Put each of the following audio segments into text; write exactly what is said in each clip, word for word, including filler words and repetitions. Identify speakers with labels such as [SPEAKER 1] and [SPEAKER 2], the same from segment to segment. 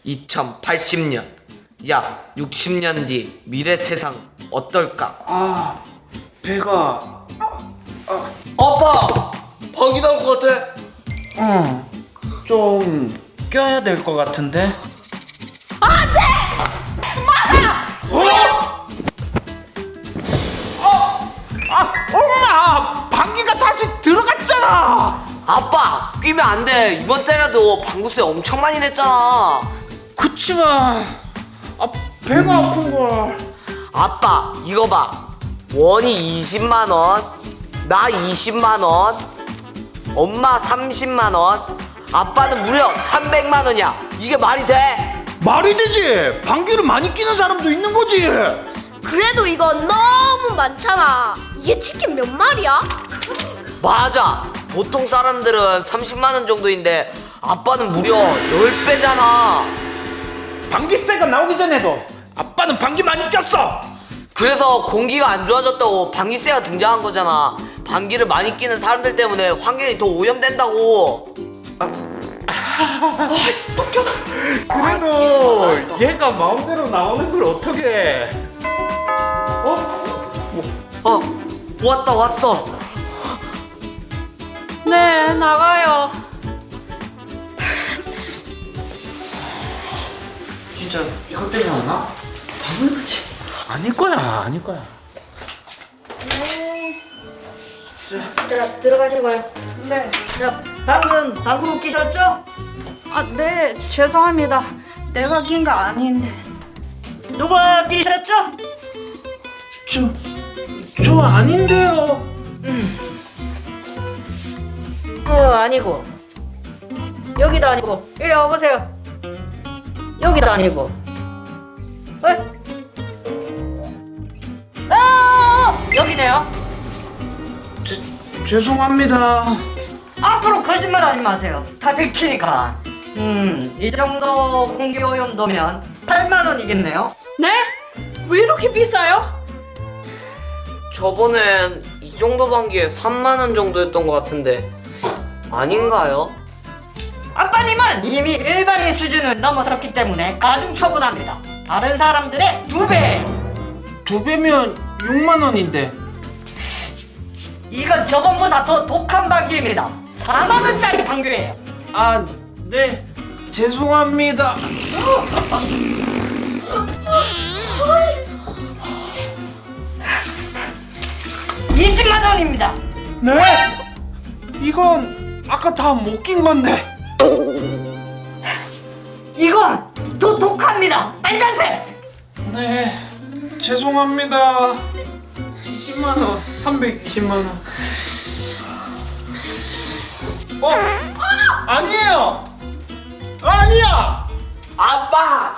[SPEAKER 1] 이천팔십 년, 약 육십 년 뒤 미래 세상 어떨까?
[SPEAKER 2] 아, 배가.
[SPEAKER 1] 아빠! 방귀 나올 것 같아.
[SPEAKER 2] 어, 좀 껴야 될 것 같은데. 아, 엄마! 방귀가 다시 들어갔잖아!
[SPEAKER 1] 아빠! 끼면 안 돼. 이번 달에도 방구세 엄청 많이 냈잖아.
[SPEAKER 2] 그치만, 아, 배가 아픈걸.
[SPEAKER 1] 아빠, 이거 봐. 원이 이십만 원, 나 이십만 원, 엄마 삼십만 원, 아빠는 무려 삼백만 원이야. 이게 말이 돼?
[SPEAKER 2] 말이 되지! 방귀를 많이 끼는 사람도 있는 거지!
[SPEAKER 3] 그래도 이건 너무 많잖아. 이게 치킨 몇 마리야?
[SPEAKER 1] 맞아. 보통 사람들은 삼십만 원 정도인데 아빠는 무려 십 배잖아.
[SPEAKER 2] 방귀세가 나오기 전에도 아빠는 방귀 많이 꼈어!
[SPEAKER 1] 그래서 공기가 안 좋아졌다고 방귀세가 등장한 거잖아. 방귀를 많이 끼는 사람들 때문에 환경이 더 오염된다고.
[SPEAKER 2] 그래도 얘가 마음대로 나오는 걸 어떻게? 어?
[SPEAKER 1] 어, 왔다 왔어.
[SPEAKER 4] 네, 나가요.
[SPEAKER 2] 진짜 이것 때문에 왔나? 당연하지. 아닐 거야, 아닐 거야.
[SPEAKER 3] 자, 들어가시고요.
[SPEAKER 4] 네. 자, 방금 방구 끼셨죠? 아, 네. 죄송합니다. 내가 낀 거 아닌데. 누가 끼셨죠?
[SPEAKER 2] 저, 저 아닌데요.
[SPEAKER 4] 어, 아니고. 여기도 아니고. 이리 와보세요. 여기도 아니고. 에? 아! 여기네요.
[SPEAKER 2] 제, 죄송합니다.
[SPEAKER 4] 앞으로 거짓말 하지 마세요. 다 들키니까. 음, 이 정도 공기 오염도면 팔만 원이겠네요. 네? 왜 이렇게 비싸요?
[SPEAKER 1] 저번엔 이 정도 방귀에 삼만 원 정도였던 것 같은데 아닌가요?
[SPEAKER 4] 아빠님은 이미 일반인 수준을 넘어섰기 때문에 가중 처분합니다. 다른 사람들의 두 배.
[SPEAKER 2] 두 배면 육만 원인데.
[SPEAKER 4] 이건 저번보다 더 독한 방귀입니다. 사만 원짜리 방귀예요.
[SPEAKER 2] 아, 네. 죄송합니다.
[SPEAKER 4] 이십만 원입니다.
[SPEAKER 2] 네? 이건 아까 다 못 낀 건데.
[SPEAKER 4] 이건 더 독합니다. 빨간색.
[SPEAKER 2] 네. 죄송합니다. 이십만 원. 삼백이십만 원. 어? 아니에요. 아니야.
[SPEAKER 1] 아빠!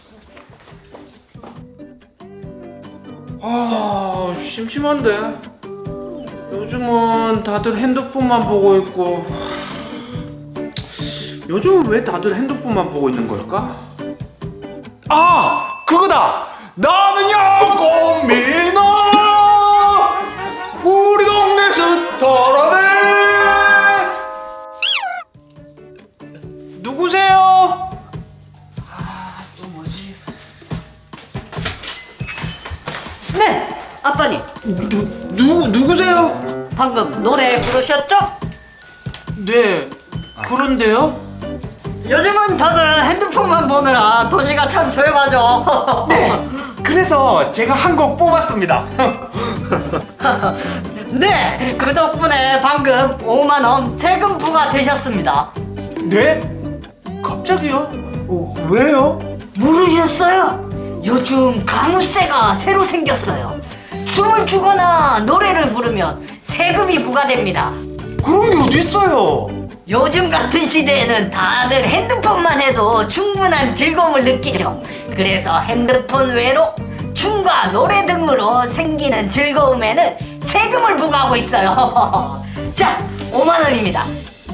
[SPEAKER 2] 아, 심심한데. 요즘은 다들 핸드폰만 보고 있고. 요즘은 왜 다들 핸드폰만 보고 있는 걸까? 아, 그거다. 나는야 꽃미나 우리 동네 스타라네. 누구세요? 아, 또 뭐지?
[SPEAKER 4] 네, 아빠님.
[SPEAKER 2] 누, 누구, 누구세요?
[SPEAKER 4] 방금 노래 부르셨죠?
[SPEAKER 2] 네, 그런데요?
[SPEAKER 4] 요즘은 다들 핸드폰만 보느라 도시가 참 조용하죠.
[SPEAKER 2] 그래서 제가 한 곡 뽑았습니다.
[SPEAKER 4] 네, 그 덕분에 방금 오만 원 세금 부과되셨습니다.
[SPEAKER 2] 네? 갑자기요? 어, 왜요?
[SPEAKER 4] 모르셨어요? 요즘 가무세가 새로 생겼어요. 춤을 추거나 노래를 부르면 세금이 부과됩니다.
[SPEAKER 2] 그런 게 어디 있어요?
[SPEAKER 4] 요즘 같은 시대에는 다들 핸드폰만 해도 충분한 즐거움을 느끼죠. 그래서 핸드폰 외로 춤과 노래 등으로 생기는 즐거움에는 세금을 부과하고 있어요. 자, 오만 원입니다.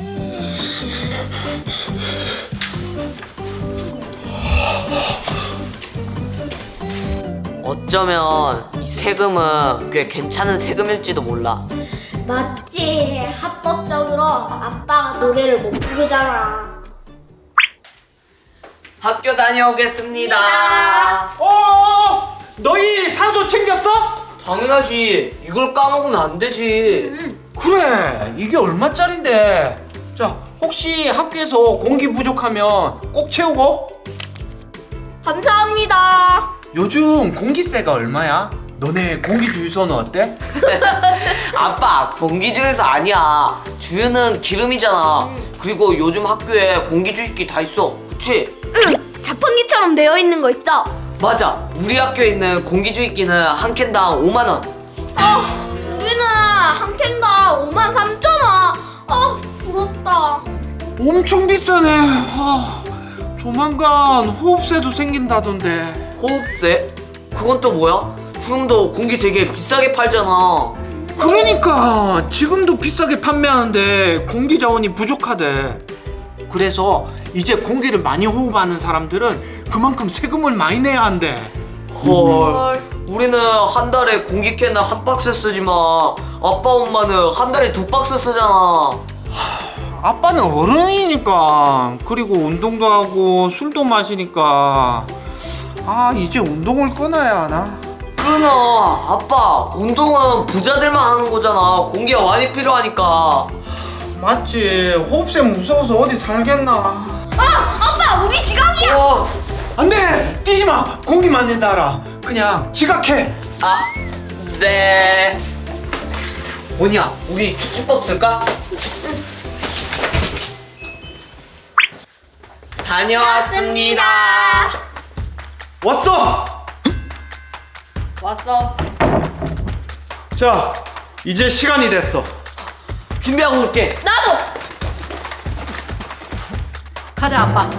[SPEAKER 1] 어쩌면 이 세금은 꽤 괜찮은 세금일지도 몰라.
[SPEAKER 3] 맞지. 합법적으로 아빠가 노래를 못 부르잖아.
[SPEAKER 1] 학교 다녀오겠습니다.
[SPEAKER 2] 어, 너희 산소 챙겼어?
[SPEAKER 1] 당연하지. 이걸 까먹으면 안 되지.
[SPEAKER 2] 그래, 이게 얼마짜린데? 자, 혹시 학교에서 공기 부족하면 꼭 채우고.
[SPEAKER 3] 감사합니다.
[SPEAKER 2] 요즘 공기세가 얼마야? 너네 공기 주유소는 어때?
[SPEAKER 1] 아빠, 공기주유소 아니야. 주유는 기름이잖아. 그리고 요즘 학교에 공기주입기 다 있어. 그치?
[SPEAKER 3] 응, 자판기처럼 되어 있는 거 있어.
[SPEAKER 1] 맞아. 우리 학교에 있는 공기주입기는 한 캔당 오만 원.
[SPEAKER 3] 아, 우리는 한 캔당 오만 삼천 원. 아, 부럽다.
[SPEAKER 2] 엄청 비싸네. 아, 조만간 호흡세도 생긴다던데.
[SPEAKER 1] 호흡세? 그건 또 뭐야? 지금도 공기 되게 비싸게 팔잖아.
[SPEAKER 2] 그러니까 지금도 비싸게 판매하는데 공기 자원이 부족하대. 그래서 이제 공기를 많이 호흡하는 사람들은 그만큼 세금을 많이 내야 한대.
[SPEAKER 1] 헐. 우리는 한 달에 공기캔을 한 박스 쓰지만 아빠 엄마는 한 달에 두 박스 쓰잖아.
[SPEAKER 2] 아빠는 어른이니까, 그리고 운동도 하고 술도 마시니까 아, 이제 운동을 끊어야 하나?
[SPEAKER 1] 끊어. 아빠, 운동은 부자들만 하는 거잖아. 공기가 많이 필요하니까.
[SPEAKER 2] 맞지. 호흡세 무서워서 어디 살겠나.
[SPEAKER 3] 아, 아빠, 우리 지각이야.
[SPEAKER 1] 어.
[SPEAKER 2] 안돼, 뛰지마. 공기 맞는다 알아. 그냥 지각해.
[SPEAKER 1] 아, 네. 뭐냐, 우리 축구법 쓸까? 다녀왔습니다.
[SPEAKER 2] 왔어.
[SPEAKER 4] 왔어.
[SPEAKER 2] 자, 이제 시간이 됐어.
[SPEAKER 1] 준비하고 올게.
[SPEAKER 3] 나도.
[SPEAKER 4] 가자, 아빠.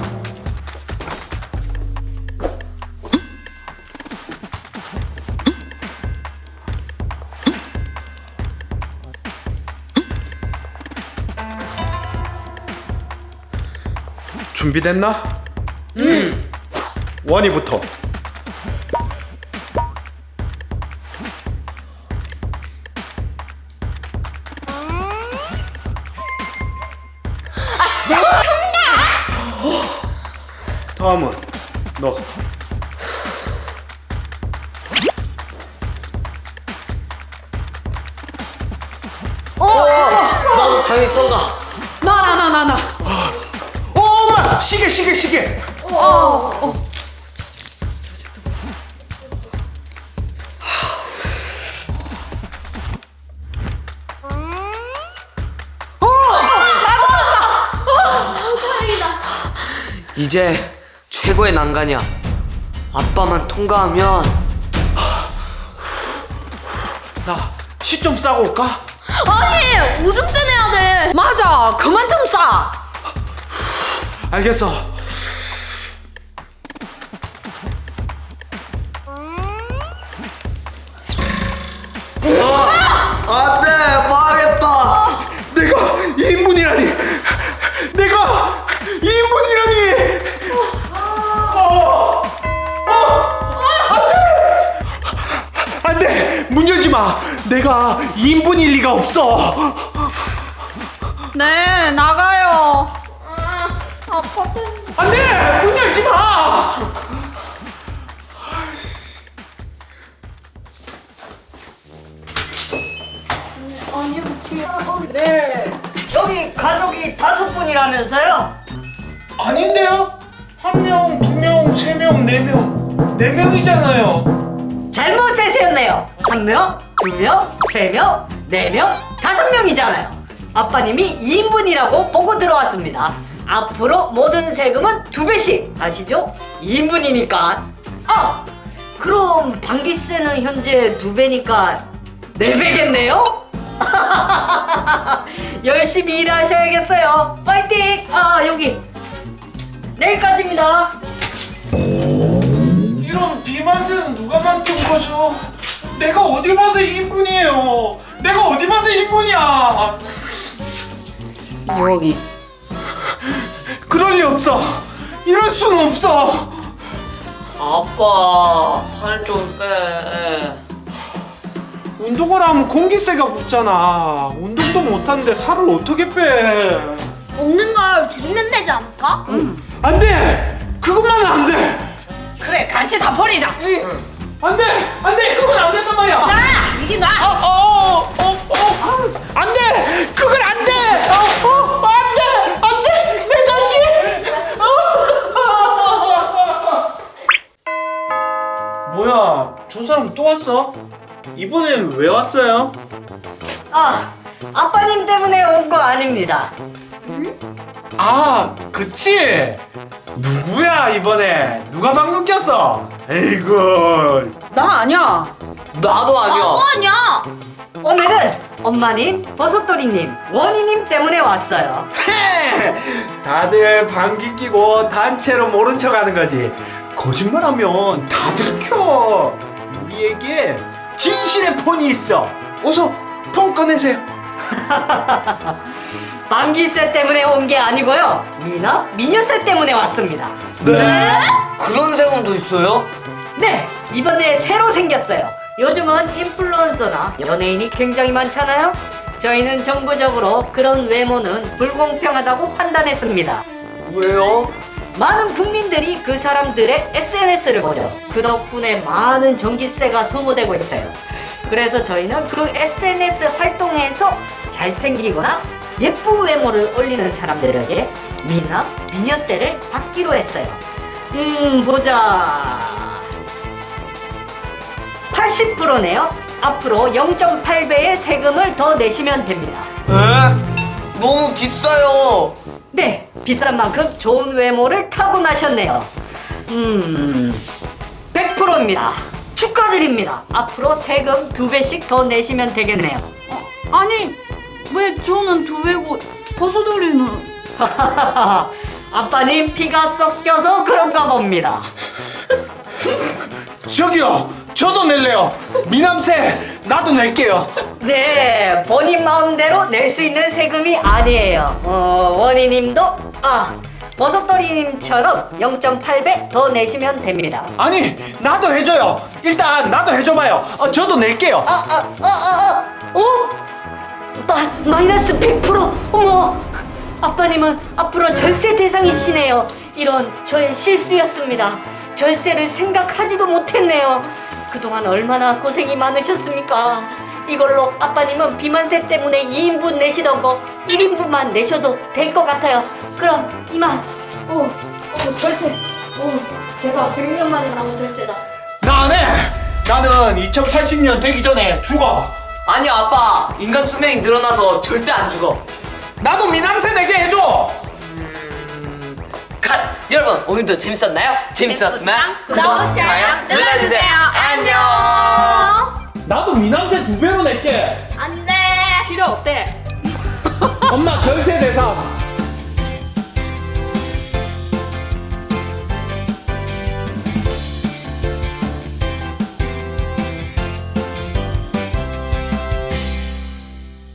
[SPEAKER 2] 준비됐나? 응. 원이부터. 다음은 너.
[SPEAKER 1] 나도 당연히 통과.
[SPEAKER 4] 나, 나, 나, 나, 나.
[SPEAKER 2] 어, 엄마, 시계, 시계, 시계.
[SPEAKER 3] 다행이다.
[SPEAKER 1] 이제 최고의 난관이야. 아빠만 통과하면.
[SPEAKER 2] 나 시 좀 싸고 올까?
[SPEAKER 3] 아니, 오줌세 내야 돼.
[SPEAKER 4] 맞아. 그만 좀 싸.
[SPEAKER 2] 알겠어.
[SPEAKER 1] 안 돼, 망했다.
[SPEAKER 2] 내가 이 인분이라니. 내가 이 인분이라니. 어, 어, 안돼, 안돼. 문 열지 마. 내가 이 인분일 리가 없어.
[SPEAKER 5] 네, 나가요.
[SPEAKER 3] 아, 아빠.
[SPEAKER 2] 안돼, 문 열지 마.
[SPEAKER 4] 여기 가족이 다섯 분이라면서요?
[SPEAKER 2] 아닌데요? 한 명, 두 명, 세 명, 네 명, 네 명이잖아요.
[SPEAKER 4] 잘못 세셨네요. 한 명, 두 명, 세 명, 네 명, 다섯 명이잖아요. 아빠님이 이 인분이라고 보고 들어왔습니다. 앞으로 모든 세금은 두 배씩 아시죠? 이 인분이니까. 아! 그럼 방기세는 현재 두 배니까 네 배겠네요? 열심히 일하셔야겠어요. 파이팅! 아, 여기 내일까지입니다.
[SPEAKER 2] 이런 비만세는 누가 만든 거죠? 내가 어디 봐서 이 인분이에요? 내가 어디 봐서 이 인분이야?
[SPEAKER 5] 여기.
[SPEAKER 2] 그럴 리 없어. 이럴 수는 없어.
[SPEAKER 1] 아빠, 살 좀 빼.
[SPEAKER 2] 운동을 하면 공기세가 붙잖아. 운동도 못하는데 살을 어떻게 빼?
[SPEAKER 3] 먹는 걸 줄이면 되지 않을까?
[SPEAKER 2] 안 돼! 그것만
[SPEAKER 5] 같이 다 버리자.
[SPEAKER 2] 안돼 안돼 그건 안 된단 말이야.
[SPEAKER 5] 나 이게 나.
[SPEAKER 2] 어어어어 안돼 그건 안돼. 어 안돼 안돼 내 다시. 뭐야 저 사람 또 왔어? 이번엔 왜 왔어요?
[SPEAKER 4] 아, 아빠님 때문에 온 거 아닙니다.
[SPEAKER 2] 아 그치? 누구야 이번에 누가 방금 꼈어? 에이구
[SPEAKER 5] 나 아니야.
[SPEAKER 1] 나도 아니야.
[SPEAKER 3] 나도 아니야.
[SPEAKER 4] 오늘은 엄마님, 버섯돌이님, 원희님 때문에 왔어요.
[SPEAKER 2] 헤! 다들 방귀 끼고 단체로 모른 척 하는 거지. 거짓말하면 다 들켜. 우리에게 진실의 폰이 있어. 어서 폰 꺼내세요.
[SPEAKER 4] 방귀세 때문에 온 게 아니고요. 미나, 미녀세 때문에 왔습니다.
[SPEAKER 2] 네?
[SPEAKER 1] 그런 세금도 있어요?
[SPEAKER 4] 네, 이번에 새로 생겼어요. 요즘은 인플루언서나 연예인이 굉장히 많잖아요. 저희는 정부적으로 그런 외모는 불공평하다고 판단했습니다.
[SPEAKER 1] 왜요?
[SPEAKER 4] 많은 국민들이 그 사람들의 에스엔에스를 보죠. 그 덕분에 많은 전기세가 소모되고 있어요. 그래서 저희는 그 에스엔에스 활동에서 잘생기거나 예쁜 외모를 올리는 사람들에게 미나, 미녀세를 받기로 했어요. 음, 보자. 팔십 퍼센트네요. 앞으로 영 점 팔 배의 세금을 더 내시면 됩니다.
[SPEAKER 1] 에? 너무 비싸요.
[SPEAKER 4] 네, 비싼 만큼 좋은 외모를 타고나셨네요. 음, 백 퍼센트입니다. 축하드립니다. 앞으로 세금 두 배씩 더 내시면 되겠네요.
[SPEAKER 5] 아니 왜 저는 두 배고 버섯돌이는?
[SPEAKER 4] 아빠님 피가 섞여서 그런가 봅니다.
[SPEAKER 2] 저기요 저도 낼래요. 미남세 나도 낼게요.
[SPEAKER 4] 네, 본인 마음대로 낼 수 있는 세금이 아니에요. 어, 원희님도 아 버섯돌이님처럼 영 점 팔 배 더 내시면 됩니다.
[SPEAKER 2] 아니 나도 해줘요. 일단 나도 해줘봐요. 어, 저도 낼게요.
[SPEAKER 4] 아, 아, 아, 아, 아, 어? 마, 마이너스 백 퍼센트? 어머! 아빠님은 앞으로 절세 대상이시네요. 이런 저의 실수였습니다. 절세를 생각하지도 못했네요. 그동안 얼마나 고생이 많으셨습니까? 이걸로 아빠님은 비만세 때문에 이 인분 내시던 거 일 인분만 내셔도 될 것 같아요. 그럼 이만. 오, 오 절세. 오, 대박. 백 년 만에 나온 절세다.
[SPEAKER 2] 나 안 해. 나는 이천팔십 년 되기 전에 죽어.
[SPEAKER 1] 아니 아빠, 인간 수명이 늘어나서 절대 안 죽어.
[SPEAKER 2] 나도 미남세 내게 해줘.
[SPEAKER 1] 컷! 여러분 오늘도 재밌었나요? 재밌었으면 구독,
[SPEAKER 3] 구독,
[SPEAKER 1] 좋아요 눌러주세요. 안녕.
[SPEAKER 2] 나도 미남세 두 배로 낼게.
[SPEAKER 3] 안 돼.
[SPEAKER 5] 필요 없대.
[SPEAKER 2] 엄마 절세 대상